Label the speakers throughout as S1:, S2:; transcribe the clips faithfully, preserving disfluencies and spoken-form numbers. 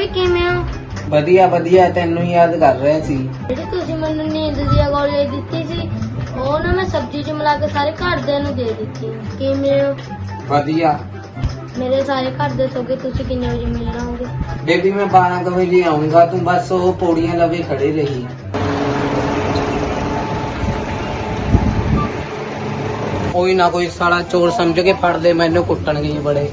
S1: ਕਿਵੇਂ ਹੋ?
S2: ਵਧੀਆ ਵਧੀਆ, ਤੈਨੂੰ ਯਾਦ ਕਰ ਰਿਹਾ ਸੀ।
S1: ਜਿਹੜੀ ਤੁਸੀਂ ਮੈਨੂੰ ਨੀਂਦ ਦੀ ਗੋਲੀ ਦਿੱਤੀ ਸੀ ਉਹ ਨਾ ਮੈਂ ਸਬਜ਼ੀ ਚ ਮਿਲਾ ਕੇ ਸਾਰੇ ਘਰਦਿਆਂ ਨੂੰ ਦੇ ਦਿੱਤੀ। ਕਿਵੇਂ ਹੋ?
S2: ਵਧੀਆ।
S1: ਮੇਰੇ ਸਾਰੇ ਘਰ ਦੇ ਸੋਗੇ, ਤੁਸੀਂ ਕਿੰਨੇ ਵਜੇ ਮਿਲ ਰਹੋਗੇ?
S2: ਬੇਬੀ ਮੈਂ ਬਾਰਾਂ ਕੁ ਵਜੇ ਆਉਂਗਾ, ਤੂੰ ਬਸ ਉਹ ਪੌੜੀਆਂ ਲਵੇ ਖੜੇ ਰਹੀ। ਕੋਈ ਨਾ ਕੋਈ ਸਾਲਾ ਚੋਰ ਸਮਝ ਕੇ ਫੜ ਦੇ, ਮੈਨੂੰ ਕੁੱਟਣਗੇ ਜੀ ਬੜੇ।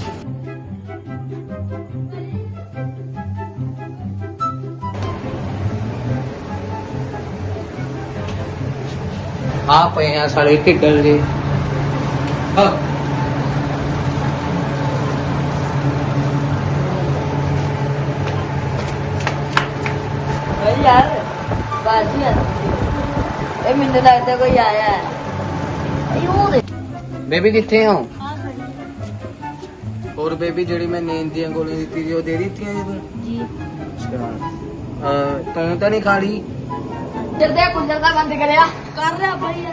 S2: ਆ ਪਏ ਆ ਸਾਲੇ ਢਿੱਡਲ ਜੀ। ਹਾਂ
S1: यार बाजी आ ए मैंने लगता कोई आया है।
S2: ਬੇਬੀ ਕਿੱਥੇ ਹੋ? ਹੋਰ ਬੇਬੀ ਜਿਹੜੀ ਮੈਂ ਨੀਂਦ ਦੀਆਂ ਗੋਲੀਆਂ ਦਿੱਤੀ ਸੀ ਉਹ ਦੇ ਦਿੱਤੀਆਂ ਜੀ ਤੂੰ?
S1: जी
S2: ਅੱਛਾ ਅਹ, ਤੂੰ ਤਾਂ ਨਹੀਂ ਖਾ ਲਈ?
S1: जल्दी कुंजर का बंद करया कर रहा भाई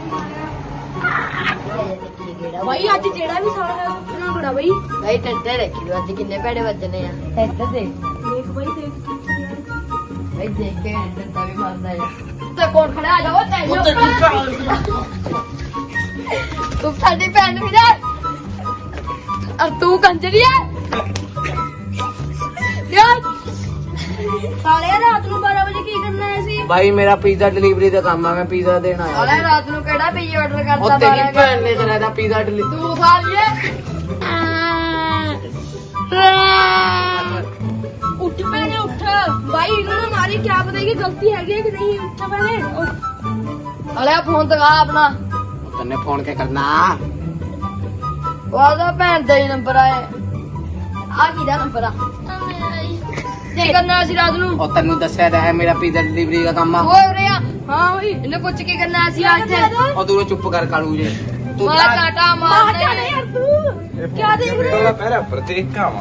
S1: भाई आज जेड़ा भी सारा है उतना बड़ा भाई भाई टंटे रखी दो आज कितने पेड़े बजने हैं टंटे देख देख भाई देख भाई देख के टंटा भी मारना है तो कौन खड़ा आ जाओ तेरे तू साडी भैन भी जा और तू कंजरी है यार साले रात ਨੂੰ ਬਾਰਾਂ ਵਜੇ ਕੀ ਕਰਨਾ ਹੈ ਸੀ?
S2: ਭਾਈ ਮੇਰਾ ਪੀਜ਼ਾ ਡਿਲੀਵਰੀ ਦਾ ਕੰਮ ਆ, ਮੈਂ ਪੀਜ਼ਾ ਦੇਣ ਆਇਆ।
S1: ਸਾਲੇ ਰਾਤ ਨੂੰ ਕਿਹੜਾ ਪੀਜ਼ਾ ਆਰਡਰ ਕਰਦਾ?
S2: ਉਹ ਤੇਰੀ ਭੈਣ ਨੇ ਚਲਾਇਆ ਪੀਜ਼ਾ ਡਿਲੀਵਰੀ।
S1: ਤੂੰ ਖਾ ਲਿਆ ਉੱਠ ਪੈਣੇ ਉੱਠ ਭਾਈ ਇਹਨਾਂ ਨੇ ਮਾਰੀ ਕਿਆ ਪਤਾ ਕਿ ਗਲਤੀ ਹੈਗੀ ਕਿ ਨਹੀਂ। ਉੱਠ ਪੈਣੇ ਅਲੇ ਫੋਨ ਦਿਖਾ ਆਪਣਾ।
S2: ਤੈਨੇ ਫੋਨ ਕੇ ਕਰਨਾ?
S1: ਉਹਦਾ ਭੈਣ ਦਾ ਹੀ ਨੰਬਰ ਆਇਆ। ਆ ਕਿਹਦਾ ਨੰਬਰ ਆ? ਕੀ ਕਰਨਾ ਸੀ ਰਾਤ ਨੂੰ?
S2: ਉਹ ਤੈਨੂੰ ਦੱਸਿਆ ਤਾਂ ਹੈ ਮੇਰਾ ਪੀਜ਼ਾ ਡਿਲੀਵਰੀ ਦਾ ਕੰਮ ਆ।
S1: ਓਏ ਉਰੇ ਆ। ਹਾਂ ਓਏ ਇਹਨੇ ਪੁੱਛ ਕੇ ਕਰਨਾ ਸੀ ਆ ਇੱਥੇ।
S2: ਉਹ ਤੂੰ ਚੁੱਪ ਕਰ ਕਾਲੂ ਜੇ। ਤੂੰ
S1: ਮਾਰ ਕਾਟਾ ਮਾਰ ਦੇ ਯਾਰ ਤੂੰ ਕੀ ਦੇਖ ਰਿਹਾ?
S3: ਪਹਿਰਾ ਪ੍ਰਤੀਕ ਕਾਵਾ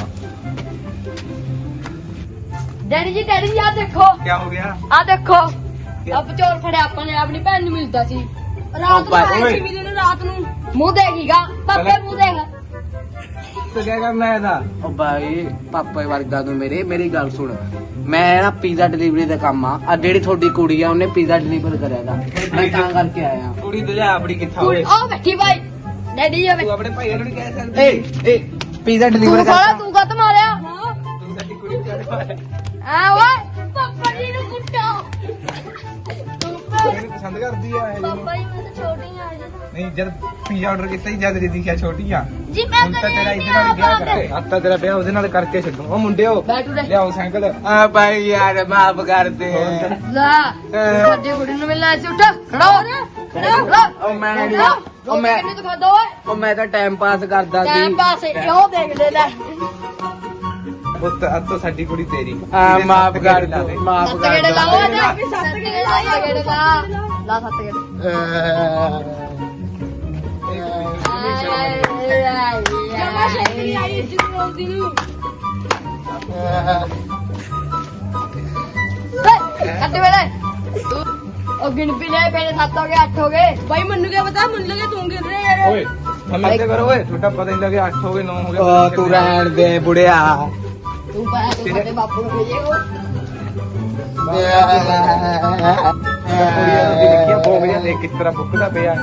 S1: ਡੈਡੀ ਜੀ ਡੈਡੀ ਜੀ ਆ ਦੇਖੋ
S3: ਕੀ ਹੋ ਗਿਆ?
S1: ਆ ਦੇਖੋ ਆਪ ਚੋਰ ਫੜਿਆ ਆਪਾਂ ਨੇ ਆਪਣੀ ਭੈਣ ਨੂੰ ਮਿਲਦਾ ਸੀ ਰਾਤ ਨੂੰ ਆਇਆ ਸੀ ਵੀਰੇ ਨੂੰ ਰਾਤ ਨੂੰ। ਮੂੰਹ ਦੇਖੀਗਾ ਪਾਪੇ ਮੂੰਹ ਦੇਖ
S3: ਤੇ ਕੀ ਕਰਨਾ ਇਹਦਾ?
S2: ਉਹ ਭਾਈ ਪਾਪਾ ਵਰਗਾ ਤੂੰ ਮੇਰੇ ਮੇਰੀ ਗੱਲ ਸੁਣ। ਮੈਂ ਨਾ ਪੀਜ਼ਾ ਡਿਲੀਵਰੀ ਦਾ ਕੰਮ ਆ। ਆ ਜਿਹੜੀ ਤੁਹਾਡੀ ਕੁੜੀ ਆ ਉਹਨੇ ਪੀਜ਼ਾ ਡਿਲੀਵਰ ਕਰਿਆ ਦਾ, ਮੈਂ ਤਾਂ ਕਰਕੇ ਆਇਆ।
S3: ਕੁੜੀ ਤੇ ਲਿਆ ਆਪਣੀ ਕਿੱਥਾ ਹੋਏ?
S1: ਆ ਬੈਠੀ ਬਾਈ ਡੈਡੀ ਜੀ
S3: ਤੂੰ ਆਪਣੇ ਭਾਈ ਨੂੰ ਨਹੀਂ ਕਹਿ ਸਕਦੀ?
S2: ਏ ਏ ਪੀਜ਼ਾ ਡਿਲੀਵਰ
S1: ਤੂੰ
S2: ਕਰਦਾ।
S1: ਖੜਾ ਤੂੰ ਕੱਤ ਮਾਰਿਆ
S3: ਤੂੰ ਸਾਡੀ ਕੁੜੀ ਨੂੰ ਕਹਿ ਮਾਰਿਆ।
S1: ਆ ਓਏ ਪਾਪਾ ਜੀ ਨੂੰ ਕੁੱਟੋ ਤੂੰ
S3: ਕੁੜੀ ਨੂੰ ਪਸੰਦ ਕਰਦੀ ਆ ਇਹ?
S1: ਪਾਪਾ ਜੀ ਮੈਂ ਤਾਂ ਛੋਟੀ ਆ ਜੀ
S3: ਨਹੀਂ ਜਦ ਪੀਜ਼ਾ ਆਰਡਰ ਕੀਤਾ ਸੀ ਜਦ ਰੀਦੀ ਕਿਹਾ ਛੋਟੀ ਆ।
S1: ਜੀ ਮੈਂ
S3: ਹੁਣ ਤਾਂ ਤੇਰਾ ਇਹਦੇ ਨਾਲ ਵਿਆਹ ਕਰਕੇ ਅੱਤਾ ਤੇਰਾ ਵਿਆਹ ਉਹਦੇ ਨਾਲ ਕਰਕੇ ਛੱਡੂ। ਉਹ ਮੁੰਡਿਓ
S1: ਬੈਠੂ ਦੇ
S3: ਲਿਆਓ ਸਾਈਕਲ।
S2: ਆ ਭਾਈ ਯਾਰ ਮਾਫ ਕਰ ਦੇ।
S1: ਲਾ ਵੱਡੀ ਕੁੜੀ ਨੂੰ ਮਿਲਣਾ ਸੀ। ਉੱਠ ਖੜਾ ਹੋ ਰਿਹਾ ਖੜਾ ਹੋ ਖੜਾ
S2: ਉਹ ਮੈਂ ਨਹੀਂ
S1: ਉਹ
S2: ਉਹ ਮੈਂ
S1: ਕਿੰਨੇ ਤੋਂ ਖਾਦਾ ਓਏ
S2: ਉਹ ਮੈਂ ਤਾਂ ਟਾਈਮ ਪਾਸ ਕਰਦਾ ਸੀ।
S1: ਟਾਈਮ ਪਾਸ ਇਹੋ ਦੇਖ ਲੈ ਲੈ
S3: ਪੁੱਤ ਅੱਜ ਤੋਂ ਸਾਡੀ ਕੁੜੀ ਤੇਰੀ।
S2: ਆ ਮਾਫ ਕਰ ਦੇ ਮਾਫ
S1: ਸੱਤ
S2: ਕਰ
S1: ਗੇੜੇ
S2: ਦੇ।
S1: ਲਾਓ ਨਾ ਸੱਤ ਗੇੜੇ ਲਾ ਗੇੜੇ ਲਾ ਲਾ ਸੱਤ ਗੇੜੇ ਜਮਾ ਸ਼ਕਤੀ ਆਈ ਜਿੱਦ ਰੋਂਦੀ ਨੂੰ ਕੱਟ ਵੇਲੇ ਤੂੰ ਉਹ ਗਿਣ ਪੀ ਲੈ ਪਹਿਲੇ ਸੱਤ ਹੋ ਗਏ ਅੱਠ ਹੋ ਗਏ ਭਾਈ ਮੈਨੂੰ ਕੀ ਪਤਾ ਮੈਨੂੰ ਲੱਗੇ ਤੂੰ ਗਿਣ ਰਿਹਾ ਯਾਰ
S3: ਓਏ ਹਮੇ ਤੇ ਕਰੋ ਓਏ ਤੁਹਾਡਾ ਪਤਾ ਨਹੀਂ ਲੱਗਿਆ ਅੱਠ ਹੋ ਗਏ ਨੌ ਹੋ ਗਏ।
S2: ਉਹ ਤੂੰ ਰਹਿਣ ਦੇ ਬੁੜਿਆ।
S1: ਤੂੰ ਪਾਇਆ ਤੂੰ ਸਾਡੇ ਬਾਪੂ ਨੂੰ ਭੇਜੇਗੋ
S3: ਕੁੜੀਆਂ ਨੂੰ ਦੇਖਿਆ ਬੋਗਿਆ ਦੇਖ ਕਿਸ ਤਰ੍ਹਾਂ ਬੁੱਕਦਾ ਪਿਆ।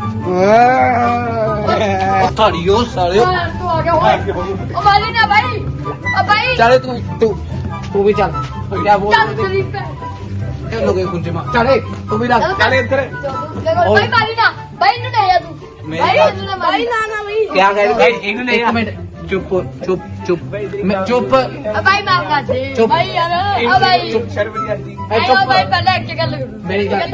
S2: ਥਾੜੀਓ ਸਾਲਿਓ।
S1: ਤੂੰ ਆ ਗਿਆ ਓਏ ਉਹ ਮਾਰੀ ਨਾ ਭਾਈ ਉਹ ਭਾਈ
S2: ਚੱਲ ਤੂੰ ਤੂੰ ਤੂੰ ਵੀ ਚੱਲ ਕਿਆ ਬੋਲ
S1: ਚੱਲ
S2: ਰਹੇ
S1: ਤੇਰੀ ਭੈਣ
S2: ਤੇ ਲੋਗੇ ਕੁੰਜੇ ਮਾ ਚੱਲੇ ਤੂੰ ਵੀ ਲੱਗ
S3: ਚੱਲ ਇੱਧਰ।
S1: ਭਾਈ ਮਾਰੀ ਨਾ ਭਾਈ ਨੂੰ ਨਹੀਂ ਆ ਤੂੰ
S2: ਮੇਰੀ
S1: ਭਾਈ
S2: ਗੱਲ-
S1: ਇਹਨੂੰ ਨਾ ਮਾਰੀ ਨਾ ਨਾ ਭਾਈ
S2: ਕਿਆ ਕਹਿ
S3: ਭਾਈ ਇਹਨੂੰ ਨਹੀਂ
S2: ਇੱਕ ਮਿੰਟ ਚੁੱਪ ਚੁੱਪ ਚੁੱਪ ਮੈਂ ਚੁੱਪ
S1: ਆ ਭਾਈ ਮਾਫ ਕਰ ਦੇ
S2: ਚੁੱਪ।
S1: ਭਾਈ ਯਾਰ ਆ ਭਾਈ
S3: ਚੁੱਪ ਸ਼ਰਮ ਨਹੀਂ ਆਉਂਦੀ।
S2: ਐ
S1: ਆਇਆ
S2: ਚੁੱਪ
S1: ਭਾਈ ਪਹਿਲਾਂ ਇੱਕ ਗੱਲ ਕਰੋ
S2: ਮੇਰੀ ਗੱਲ-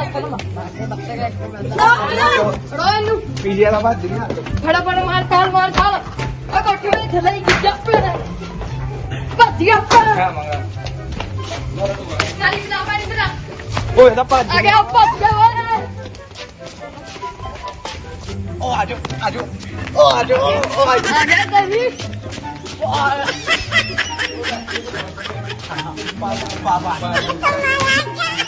S1: ਰੋ ਇਹਨੂੰ
S3: ਪੀਜੇ ਵਾਲਾ ਬਾਤ ਨਹੀਂ ਆ।
S1: ਫੜਾ ਫੜਾ ਮਾਰ ਤਾਲ ਮਾਰ ਤਾਲ ਆ ਕੋਠੇ ਵਾਲੇ ਥੱਲੇ ਹੀ ਜੱਪ ਲੈ ਭੱਜ ਗਿਆ ਪਰ
S3: ਖਾ ਮੰਗਾ
S1: ਨਾਲੀ ਦਾ ਪਾਣੀ ਤੇਰਾ
S3: ਓਏ ਇਹਦਾ ਭੱਜ
S1: ਆ ਗਿਆ ਭੱਜ ਗਿਆ ਓਏ
S3: ਓ ਆਜੋ ਆਜੋ ਓ ਆਜੋ ਓ ਆਜੋ।
S1: ਆ ਗਿਆ ਤੇਰੀ
S3: ਪਾਪਾ